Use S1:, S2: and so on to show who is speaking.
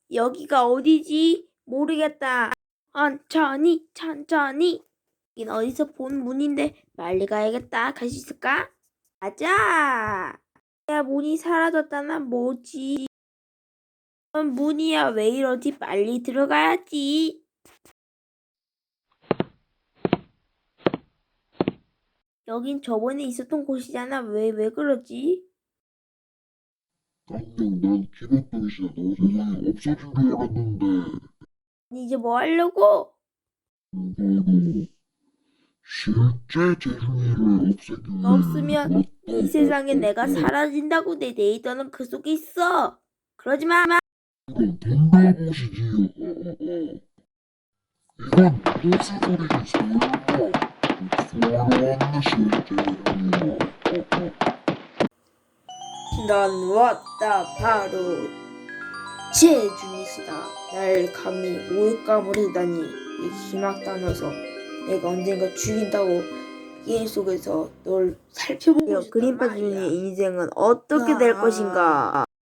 S1: 여기가 어디지? 모르겠다. 천천히. 여긴 어디서 본 문인데 빨리 가야겠다. 갈 수 있을까? 가자. 야, 문이 사라졌다나 뭐지? 문이야, 왜 이러지? 빨리 들어가야지. 여긴 저번에 있었던 곳이잖아. 왜 그러지?
S2: 깜짝 난 기백동이시다. 너 세상에 없어진 줄 알았는데.
S1: 이제 뭐 하려고?
S2: 바로 실제 재중이를 없애기 위해
S1: 없으면 이 세상에 내가
S2: 왔다.
S1: 사라진다고. 내 데이터는 그 속에 있어. 그러지 마.
S2: 이건 덤벼보시지. 이건 무슨 소리지? 설마 돌아왔나 실제 재중이야.
S1: 난 왔다. 바로 재중이시다. 날 감히 모욕감을 해다니. 이 기막다 녀석. 내가 언젠가 죽인다고 게임 속에서 널 살펴보고 싶단
S3: 그림파
S1: 말이야.
S3: 주인의 인생은 어떻게 될 것인가?